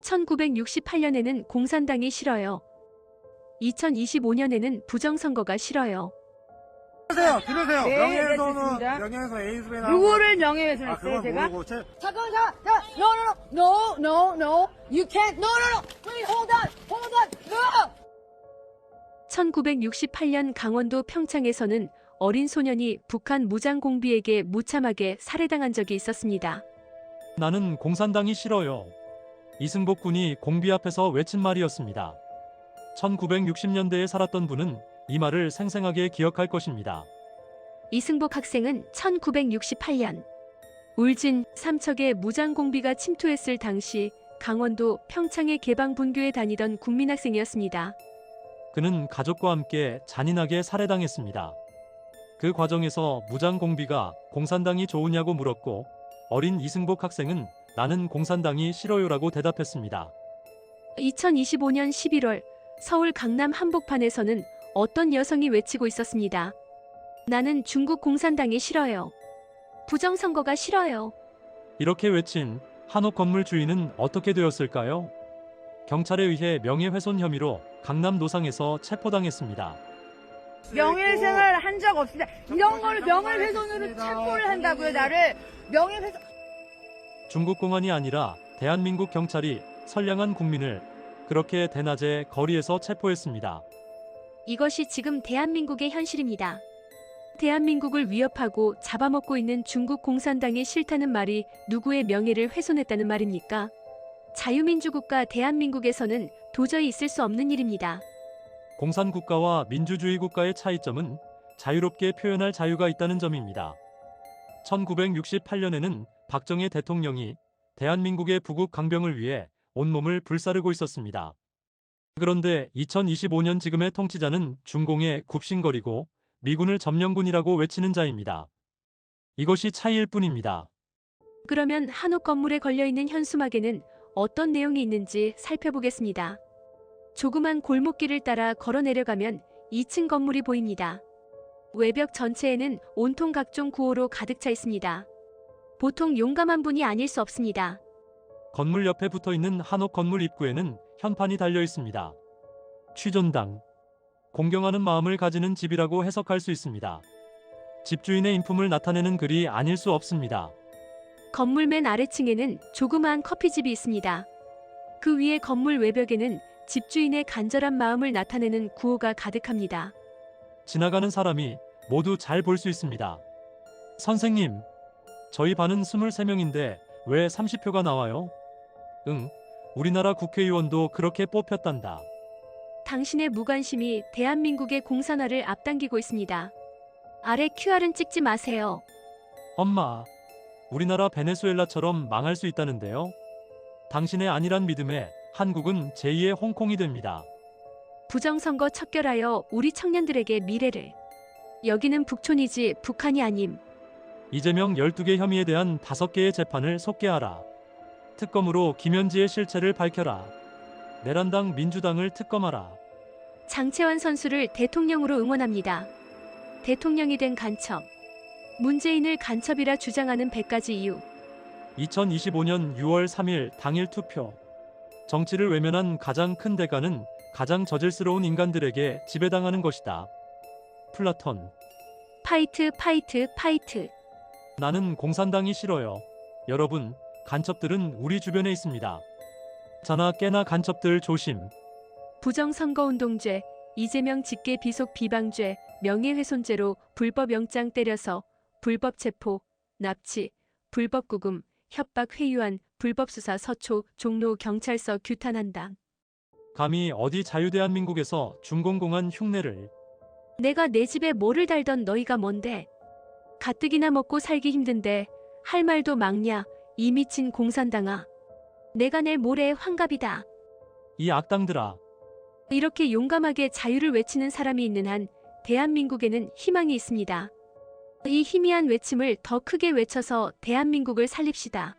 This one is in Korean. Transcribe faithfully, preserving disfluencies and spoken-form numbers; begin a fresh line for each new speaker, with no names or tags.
천구백육십팔 년에는 공산당이 싫어요. 이천이십오 년에는 부정선거가 싫어요.
들으세요, 들으세요.
네,
명예훼손은
네, 듣습니다.
명예훼손 에이즈맨
누구를
아,
명예훼손했어요,
그건
제가?
모르고 제,
잠깐만, 잠깐만, 잠깐만. No, no, no, no, no. You can't. No, no, no. Please hold on, hold on. No.
천구백육십팔 년 강원도 평창에서는 어린 소년이 북한 무장공비에게 무참하게 살해당한 적이 있었습니다.
나는 공산당이 싫어요. 이승복 군이 공비 앞에서 외친 말이었습니다. 천구백육십 년대에 살았던 분은 이 말을 생생하게 기억할 것입니다.
이승복 학생은 천구백육십팔 년 울진, 삼척에 무장공비가 침투했을 당시 강원도 평창의 개방분교에 다니던 국민학생이었습니다.
그는 가족과 함께 잔인하게 살해당했습니다. 그 과정에서 무장공비가 공산당이 좋으냐고 물었고 어린 이승복 학생은 나는 공산당이 싫어요라고 대답했습니다.
이천이십오 년 십일월 서울 강남 한복판에서는 어떤 여성이 외치고 있었습니다. 나는 중국 공산당이 싫어요. 부정선거가 싫어요.
이렇게 외친 한옥 건물 주인은 어떻게 되었을까요? 경찰에 의해 명예훼손 혐의로 강남 노상에서 체포당했습니다.
명예훼손을 한 적 없습니다. 이런 거를 명예훼손으로 체포를 한다고요, 나를. 명예훼손.
중국 공안이 아니라 대한민국 경찰이 선량한 국민을 그렇게 대낮에 거리에서 체포했습니다.
이것이 지금 대한민국의 현실입니다. 대한민국을 위협하고 잡아먹고 있는 중국 공산당이 싫다는 말이 누구의 명예를 훼손했다는 말입니까? 자유민주국가 대한민국에서는 도저히 있을 수 없는 일입니다.
공산국가와 민주주의 국가의 차이점은 자유롭게 표현할 자유가 있다는 점입니다. 천구백육십팔 년에는 박정희 대통령이 대한민국의 부국 강병을 위해 온몸을 불사르고 있었습니다. 그런데 이천이십오 년 지금의 통치자는 중공에 굽신거리고 미군을 점령군이라고 외치는 자입니다. 이것이 차이일 뿐입니다.
그러면 한옥 건물에 걸려있는 현수막에는 어떤 내용이 있는지 살펴보겠습니다. 조그만 골목길을 따라 걸어 내려가면 이 층 건물이 보입니다. 외벽 전체에는 온통 각종 구호로 가득 차 있습니다. 보통 용감한 분이 아닐 수 없습니다.
건물 옆에 붙어있는 한옥 건물 입구에는 현판이 달려 있습니다. 취존당, 공경하는 마음을 가지는 집이라고 해석할 수 있습니다. 집주인의 인품을 나타내는 글이 아닐 수 없습니다.
건물 맨 아래층에는 조그마한 커피집이 있습니다. 그 위에 건물 외벽에는 집주인의 간절한 마음을 나타내는 구호가 가득합니다.
지나가는 사람이 모두 잘 볼 수 있습니다. 선생님, 저희 반은 스물세 명인데 왜 삼십 표가 나와요? 응, 우리나라 국회의원도 그렇게 뽑혔단다.
당신의 무관심이 대한민국의 공산화를 앞당기고 있습니다. 아래 큐알은 찍지 마세요.
엄마, 우리나라 베네수엘라처럼 망할 수 있다는데요. 당신의 아니란 믿음에 한국은 제이의 홍콩이 됩니다.
부정선거 척결하여 우리 청년들에게 미래를. 여기는 북촌이지 북한이 아님.
이재명 열두 개 혐의에 대한 다섯 개의 재판을 속개하라. 특검으로 김현지의 실체를 밝혀라. 내란당 민주당을 특검하라.
장채환 선수를 대통령으로 응원합니다. 대통령이 된 간첩. 문재인을 간첩이라 주장하는 백 가지 이유.
이천이십오 년 유월 삼일 당일 투표. 정치를 외면한 가장 큰 대가는 가장 저질스러운 인간들에게 지배당하는 것이다. 플라톤.
파이트 파이트 파이트.
나는 공산당이 싫어요. 여러분, 간첩들은 우리 주변에 있습니다. 자나 깨나 간첩들 조심.
부정선거운동죄, 이재명 직계 비속 비방죄, 명예훼손죄로 불법 영장 때려서, 불법 체포, 납치, 불법 구금, 협박 회유한, 불법 수사 서초, 종로 경찰서 규탄한다.
감히 어디 자유대한민국에서 중공공한 흉내를.
내가 내 집에 뭐를 달던 너희가 뭔데? 가뜩이나 먹고 살기 힘든데 할 말도 막냐, 이 미친 공산당아. 내가 낼 모래의 환갑이다.
이 악당들아.
이렇게 용감하게 자유를 외치는 사람이 있는 한 대한민국에는 희망이 있습니다. 이 희미한 외침을 더 크게 외쳐서 대한민국을 살립시다.